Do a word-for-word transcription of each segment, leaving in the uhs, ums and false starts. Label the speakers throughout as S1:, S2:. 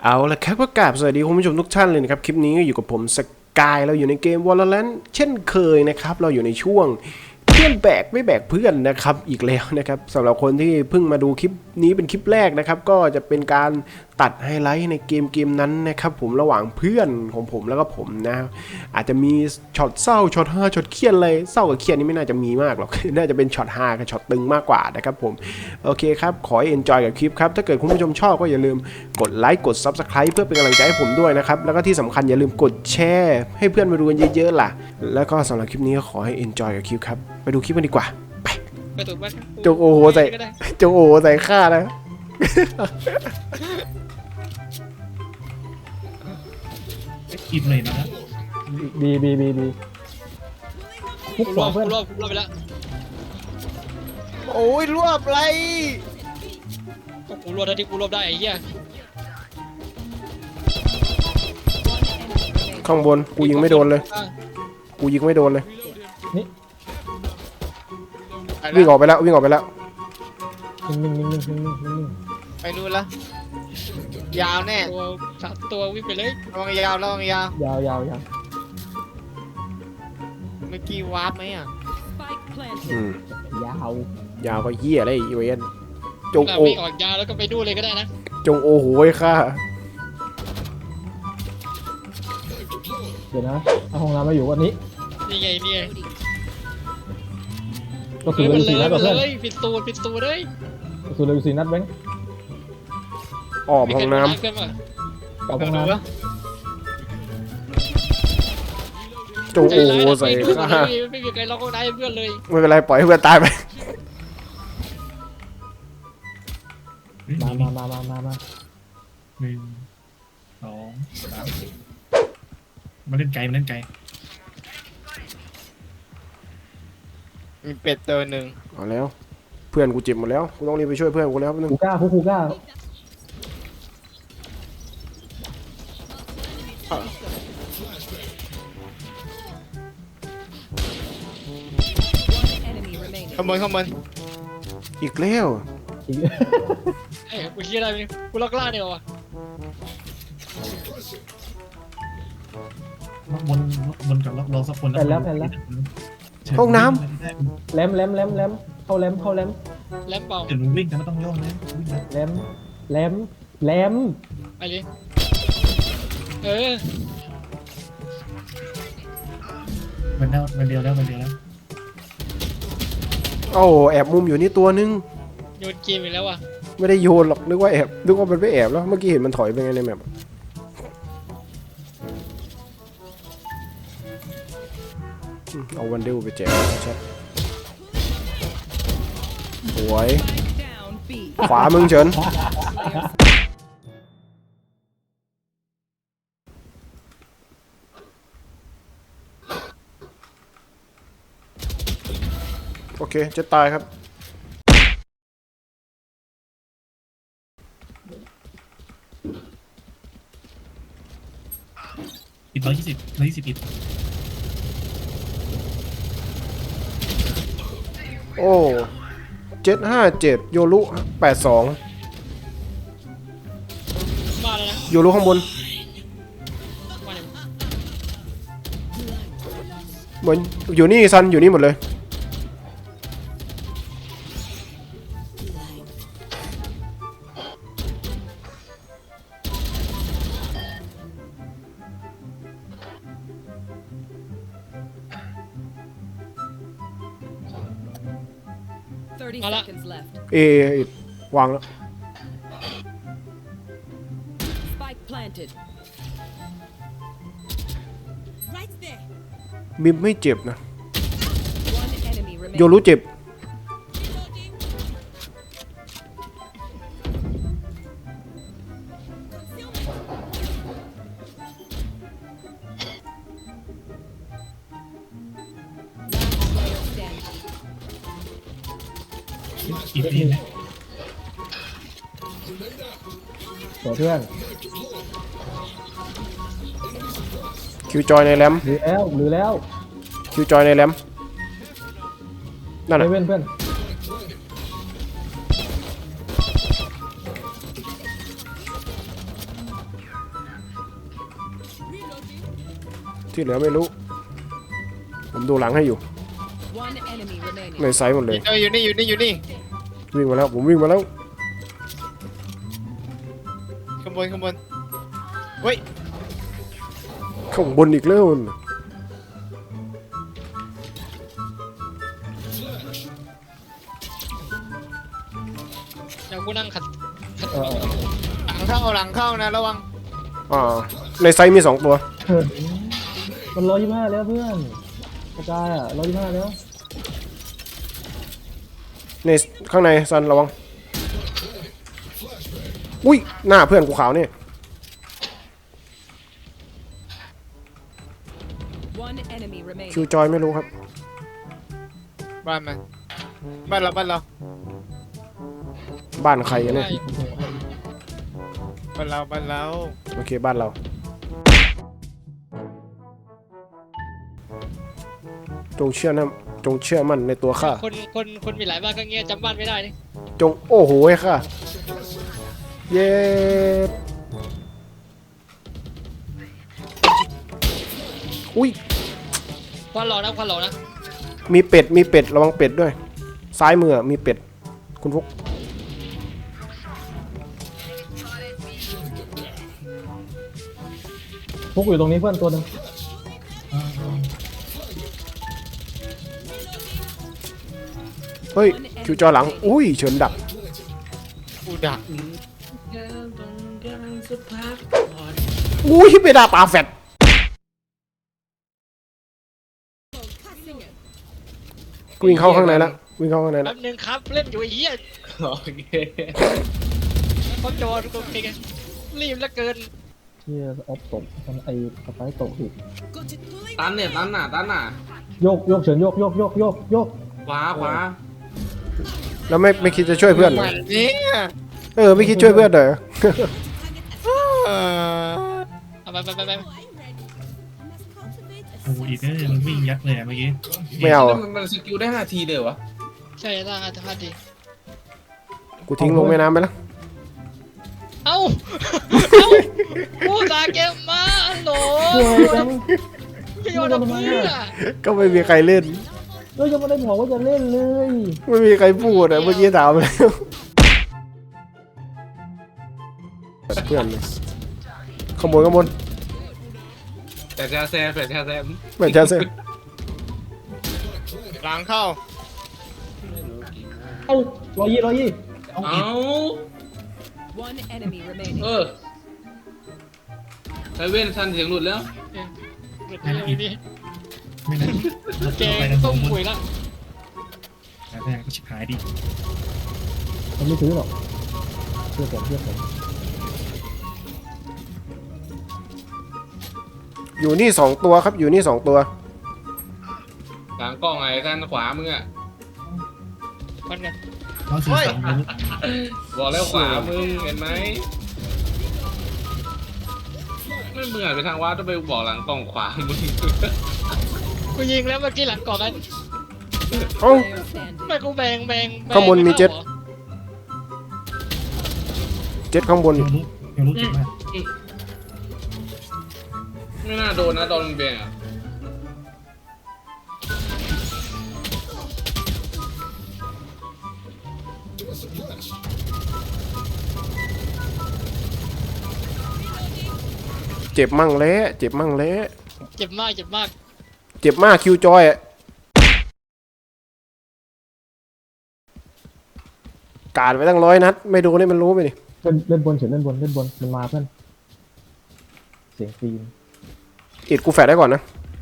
S1: เอาละครับก็กราบสวัสดีคุณผู้ชมทุกท่านเลยนะครับคลิปนี้ก็อยู่กับผมสกายเราอยู่ในเกม Valorant เช่นเคยนะครับเราอยู่ในช่วงเพื่อนแบกไม่แบกเพื่อนนะครับอีกแล้วนะครับสำหรับคนที่เพิ่งมาดูคลิปนี้เป็นคลิปแรกนะครับก็จะเป็นการตัดไฮไลท์ในเกมเกมนั้นนะครับผมระหว่างเพื่อนของผมแล้วก็ผมนะอาจจะมีช็อตเศร้าช็อตฮาช็อตเครียดอะไรเศร้ากับเครียดนี่ไม่น่าจะมีมากหรอก น่าจะเป็นช็อตฮากับช็อตตึงมากกว่านะครับผมโอเคครับขอให้เอนจอยกับคลิปครับถ้าเกิดคุณผู้ชมชอบก็อย่าลืมกดไลค์กด ซับสไครบ์ เพื่อเป็นกำลังใจให้ผมด้วยนะครับแล้วก็ที่สำคัญอย่าลืมกดแชร์ให้เพื่อนมาดูกันเยอะๆล่ะแล้วก็สำหรับคลิปนี้ก็ขอให้เอนจอยกับคลิปครับไปดูคลิปกันดีกว่าไปจงโอโหใส่จงโอโหใส่ข้านะ
S2: กินเลยนะ
S3: บีบีบีบีพุก
S4: ร
S3: หัว
S4: วบ
S3: เพื่อน
S4: รวบรวบไปแล้ว
S5: โอ้ยรวบไร
S4: ก็กูรวบได้ที่กูรวบได้ไอ้เหี้ย
S1: ข้างบนกูยิงไม่โดนเลยกูยิงไม่โดนเลยวิ่งออกไปแล้ววิ่งออกไปแล้ว
S3: นิ่งนิ่งนิ่งนิ่งนิ่งนิ่ง
S5: ไปนู่นละยาวแน่
S4: ตัวสามตัววิ่งไปเลย
S5: ระวังยาวระวังยาวย
S3: าวยาวยาว
S5: เมื่อกี้วาร์ปไหมอ่ะ
S1: อืม
S3: ยาวย
S1: าวก็เหี้ยอะไรอีเวนจง
S4: แล้ว
S1: โอ
S4: วิ่งออกยาวแล้วก็ไปดูเลยก็ได้นะ
S1: จงโอโหยข้า
S3: เดี๋ยวนะเอาห้องน้ำมาอยู่วันนี้
S4: นี่ไงนี่ไง
S3: ก็คือเลยสี่นัดกับ
S4: เล
S3: เพื่อน
S4: ยปิดตูปิดตูเลย
S3: ก็คือเลยสี่นัดแบงค์
S1: ออมห้องน้
S4: เพื่อนป่ะ
S3: เอาห้องน้ำ
S1: ำจงโอโหใส่ข้า
S4: ไม่มีใครล็อกห้องน้ำเพื่อนเลย
S1: ไม่เป็นไรปล่อยให้เพื่อนตายไป
S3: มามามามามามา
S2: หนึ่งสองสามมาเล่นไกลมาเล่นไกล
S5: มีเป็ดตัวหนึ่ง
S1: เอาแล้วเพื่อนกูเจ็บหมดแล้วกูต้องรีบไปช่วยเพื่อนกูแล้วนึง
S3: คูก้าคูคูก้า
S5: ขโมยขโมย
S1: อีกแล้ว
S3: อีก
S4: ไอ้กูคิดอะไรกูล็อกล่าเนี่ยวะ
S2: บนบนกับรอสักคน
S1: ห้องน้
S3: แหลมแหลมแหลมแหลมเข้าแหลมเข้าแหลม
S4: แลมเป่า
S2: เดี๋ยวมึงวิ่งแต่ไม่ต้องโยกนะวิ่งนะ
S3: แหลมแหลมแหลม
S4: ไปเลยเออ
S2: มันแล้วมันเดียวแล้วมันเดียวแล้ว
S1: ำโอ้แอบมุมอยู่นี่ตัวนึง
S4: โยนเกมอีกแล้วอ่ะ
S1: ไม่ได้โยนหรอกนึกว่าแอบนึกว่ามันไม่แอบแล้วเมื่อกี้เห็นมันถอยไปไงในแมปเอาวันเดลไปแจกชัดสวยขวามึงเฉินโอเคจะตายครับ
S2: ปิดร้อยยี่สิบร้อยยี่สิบปิด
S1: โอ้เจ็ดห้าเจ็ดโยรุแปดสอง
S4: มาแล้วนะ
S1: โยรุข้างบน
S4: มาเลย
S1: เหมือนอยู่นี่ซันอยู่นี่หมดเลยเอวางแล้ว
S6: Spike planted. Right there.
S1: มิมไม่เจ็บนะ
S6: One enemy
S1: โย
S6: remaining.
S1: รุเจ็บ
S2: อีกทีนะ
S3: สวยเพื่อน
S1: คิวจอยในแรม
S3: หรือแล้วหรือแล้ว
S1: คิวจอยในแรมนั่น
S3: เซ
S1: น่ะ
S3: เว่นเพื่อน
S1: อที่เหลือไม่รู้ ผมดูหลังให้อยู่
S6: One enemy remaining.
S1: ในไซส์หมดเลย
S5: เจออยู่นี่อยู่นี่อยู่นี่
S1: วิ่งมาแล้วผมวิ่งมาแล้ว
S5: ข้างบนข้างบนเฮ้ย
S1: ข้างบนอีกแล้ว
S4: เดี๋ยวกูนั่งขัดขัด
S3: เออ
S5: หลังเข้าหลังเข้านะระวัง
S1: อ่าในไซส์มีสองตัว
S3: เออมันร้อยยี่ห้าแล้วเพื่อนกระจายอ่ะร้อยยี่ห้าแล้ว
S1: ในข้างในซันระวังอุ้ยหน้าเพื่อนกูขาวนี่
S6: One enemy remaining.
S1: คิวจอยไม่รู้ครับ
S5: บ้านมันบ้านเราบ้านเรา
S1: บ้านใครกันเนี่ย
S5: บ้านเราบ้านเรา
S1: โอเคบ้านเราจงเชื่อนะจงเชื่อมั่นในตัวข้า
S4: คนคนคนมีหลายบ้านก็เงี้ยจำบ้านไม่ได้นี่
S1: จงโอ้โหไอ้ข้าเย้อุ้ย
S4: ควันหลอกนะควันหลอกนะ
S1: มีเป็ดมีเป็ดระวังเป็ดด้วย ซ้ายมือมีเป็ดคุณฟุก
S3: พวกอยู่ตรงนี้เพื่อนตัวหนึง
S1: เฮ้ยคิวจอยหลังอุ้ยเฉินดัก
S5: กูดัก
S1: อุ้ยไปด่าปลาแฟดกูวิ่งเข้าข้างในแล้ววิ่งเข้าข้างในแล้
S4: แป๊
S1: ว
S4: บนึงครับเล่นอยู่ไอ้เหี้ย
S7: โอเค
S4: เขาจอดกูเองรีบเหลือเกิน
S3: เที่ยออฟตกมันไอ้สไปร์ตกอีก
S7: ตันเนี่ยตันน่ะตันน่ะ
S3: โยกโยกเฉินโยกโยกโยกโยกโยก
S7: ขวาขวา
S1: แล้วไม่ไม่คิดจะช่วยเพื่อนเหรอ
S5: มันเนี่ย
S1: เออไม่คิดช่วยเพื่อนเหรอ
S5: เออ
S4: เอาไปไปไปไป
S2: โอ้โหอีกเนี่ยมันวิ่งยัดเลยอะเมื่อกี้
S1: ไม่เอา
S7: มันมันสกิลได้ห้าทีเลยวะ
S4: ใช่ร่างอาจจะพลาดดี
S1: กูทิ้งลงแม่น้ำไปแล้ว
S4: เอ้าเอ้ากูตาเกมมาฮัลโหล
S3: เฮ้ยจัง
S4: พี่โยนเอาเพื่อ
S1: ก็ไม่มีใครเล่น
S3: เฮ้ยยังไม่ได้บอกว่าจะเล่นเลย
S1: ไม่มีใครพูดอ่ะเมื่อกี้ถามแล้วเพื่อนเลยขโมยขโมย
S7: แต่ชาแซมแต่ชาแซม
S1: เหมือนจะเซ่
S5: หลังเข้า
S3: เอ้าร้อยยี่ร้อยยี่
S7: เอา
S6: One enemy remaining.
S7: เออไซเว่นซันเสียงหลุดแล้ว
S4: เปิดไม่ดี
S2: ไม่นั้น
S4: เจ
S2: ไปกันส
S4: ต้
S2: อ
S4: อง ง
S2: คน
S4: คุยละ
S2: แต่แรกก็ชิบหายดิ
S3: มันไม่ซื้อหรอกเชื่อผมเชื่อผม
S1: อยู่นี่สองตัวครับอยู่นี่สองตัว
S7: หลังกล้องไอ้ท่านขวามึงอ่ะ
S4: มันกัน
S2: เราสื่อสารรู้
S7: บอกแล้วขวามึงเห็นไหมไม่มึงอ่ะไปทางวัดต้องไปบอกหลังกล้องขวามึง
S4: กูยิงแล้วเมื่อกี้หลังก่อนกัน
S1: เอ้า
S6: Player standing.
S4: ไม่กูแบงแบงแบง
S1: ข้างบนมีเจ็ต
S4: ไข้าหรอ
S1: เจ็ดข้างบน
S2: เรารู้เรารู้เก่งมาก
S7: ไม่น่าโดนนะตอนมึงเบงอ่ะ
S1: เจ็บมั่งแล้วเจ็บมั่งแล้ว
S4: เจ็บมากเจ็บมาก
S1: เจ็บมากคิวจอยอะการไปตั้งร้อยนัดไม่โดนนี่มันรู้ไปดิ
S3: เล่นเล่นบนเฉินเล่นบนเล่นบนมันมาเพื่อนเสียงฟีน
S1: อิดกูแฟดได้ก่อนนะ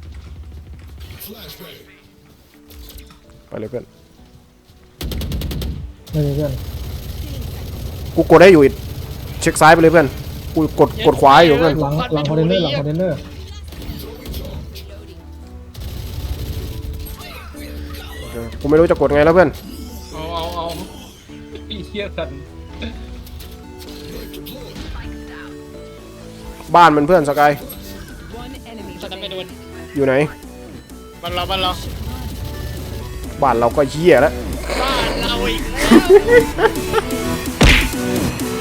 S1: ไปเลยเพื่อน
S3: ไม่ใช่เพื่อน
S1: กูกดได้อยู่อิดเช็คซ้ายไปเลยเพื่อนกูกดกดขวาอยู่เพื่อน
S3: หลังหลังคอนเทนเนอร์หลังคอนเทนเนอร์
S1: เออกูไม่รู้จะกดไงแล้วเพื่อน
S7: เอาเอาเอาไอ้เหี้ยสัน
S1: บ้านมันเพื่อนสกาย
S6: One enemy
S4: ตอนนั้นไม่โด
S6: remaining.
S4: น
S1: อยู่ไหน
S5: บ้านเราบ้านเรา
S1: บ้านเราก็เหี้ยแล้ว
S4: บ้านเราอีกแล้ว